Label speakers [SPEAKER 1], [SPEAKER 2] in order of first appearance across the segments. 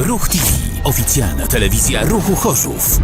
[SPEAKER 1] Ruch TV. Oficjalna telewizja Ruchu Chorzów.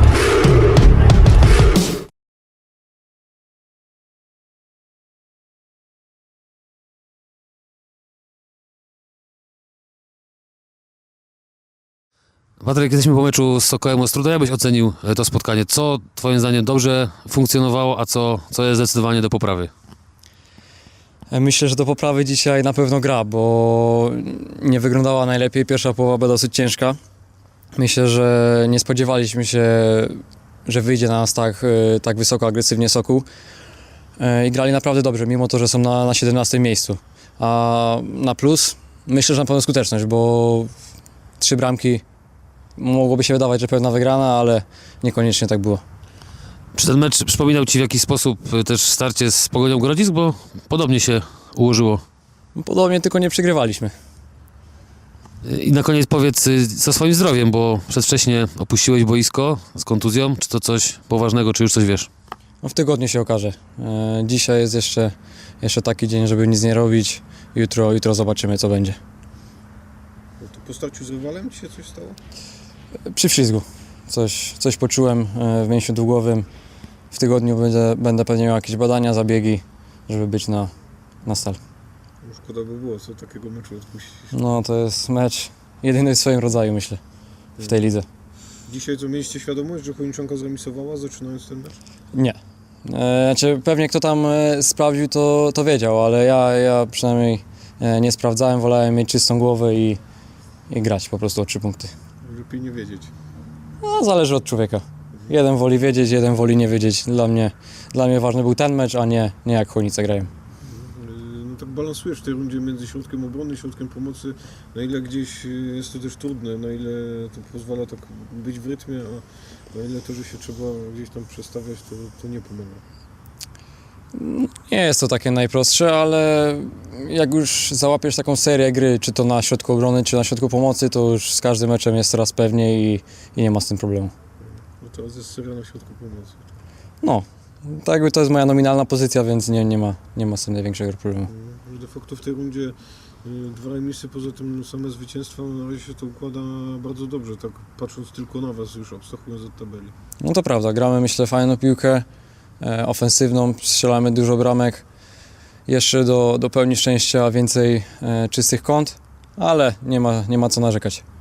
[SPEAKER 2] Patryk, jesteśmy po meczu z Sokołem Ostróda. Jak byś ocenił to spotkanie? Co twoim zdaniem dobrze funkcjonowało, a co jest zdecydowanie do poprawy?
[SPEAKER 3] Myślę, że do poprawy dzisiaj na pewno gra, bo nie wyglądała najlepiej. Pierwsza połowa była dosyć ciężka. Myślę, że nie spodziewaliśmy się, że wyjdzie na nas tak wysoko, agresywnie Sokół. I grali naprawdę dobrze, mimo to, że są na 17 miejscu. A na plus myślę, że na pewno skuteczność, bo 3 bramki mogłoby się wydawać, że pewna wygrana, ale niekoniecznie tak było.
[SPEAKER 2] Czy ten mecz przypominał ci w jakiś sposób też starcie z Pogonią Grodzisk, bo podobnie się ułożyło?
[SPEAKER 3] Podobnie, tylko nie przegrywaliśmy.
[SPEAKER 2] I na koniec powiedz, co swoim zdrowiem, bo przedwcześnie opuściłeś boisko z kontuzją. Czy to coś poważnego, czy już coś wiesz?
[SPEAKER 3] No w tygodniu się okaże. Dzisiaj jest jeszcze taki dzień, żeby nic nie robić. Jutro zobaczymy, co będzie.
[SPEAKER 4] To po starciu z rywalem ci się coś stało?
[SPEAKER 3] Przy wślizgu. Coś poczułem w mięsiu długowym. W tygodniu będę pewnie miał jakieś badania, zabiegi, żeby być na stal.
[SPEAKER 4] No szkoda by było, co takiego meczu odpuścić.
[SPEAKER 3] No to jest mecz jedyny w swoim rodzaju, myślę, w tej lidze.
[SPEAKER 4] Dzisiaj co, mieliście świadomość, że Chojniczanka zremisowała, zaczynając ten mecz?
[SPEAKER 3] Nie. Znaczy, pewnie kto tam sprawdził, to wiedział, ale ja przynajmniej nie sprawdzałem, wolałem mieć czystą głowę i grać po prostu o 3 punkty.
[SPEAKER 4] Lepiej nie wiedzieć.
[SPEAKER 3] No, zależy od człowieka. Jeden woli wiedzieć, jeden woli nie wiedzieć. Dla mnie ważny był ten mecz, a nie jak Chojnice grają.
[SPEAKER 4] No tak balansujesz w tej rundzie między środkiem obrony, środkiem pomocy. Na ile gdzieś jest to też trudne, na ile to pozwala tak być w rytmie, a na ile to, że się trzeba gdzieś tam przestawiać, to nie pomaga.
[SPEAKER 3] Nie jest to takie najprostsze, ale jak już załapiesz taką serię gry, czy to na środku obrony, czy na środku pomocy, to już z każdym meczem jest coraz pewniej i nie ma z tym problemu.
[SPEAKER 4] No teraz jest seria na środku pomocy.
[SPEAKER 3] No, tak jakby to jest moja nominalna pozycja, więc nie ma z tym największego problemu.
[SPEAKER 4] De facto w tej rundzie 2 remisy, poza tym same zwycięstwa, na razie się to układa bardzo dobrze, tak patrząc tylko na was, już abstrahując od tabeli.
[SPEAKER 3] No to prawda, gramy myślę fajną piłkę, ofensywną, strzelamy dużo bramek. Jeszcze do pełni szczęścia więcej czystych kąt, ale nie ma co narzekać.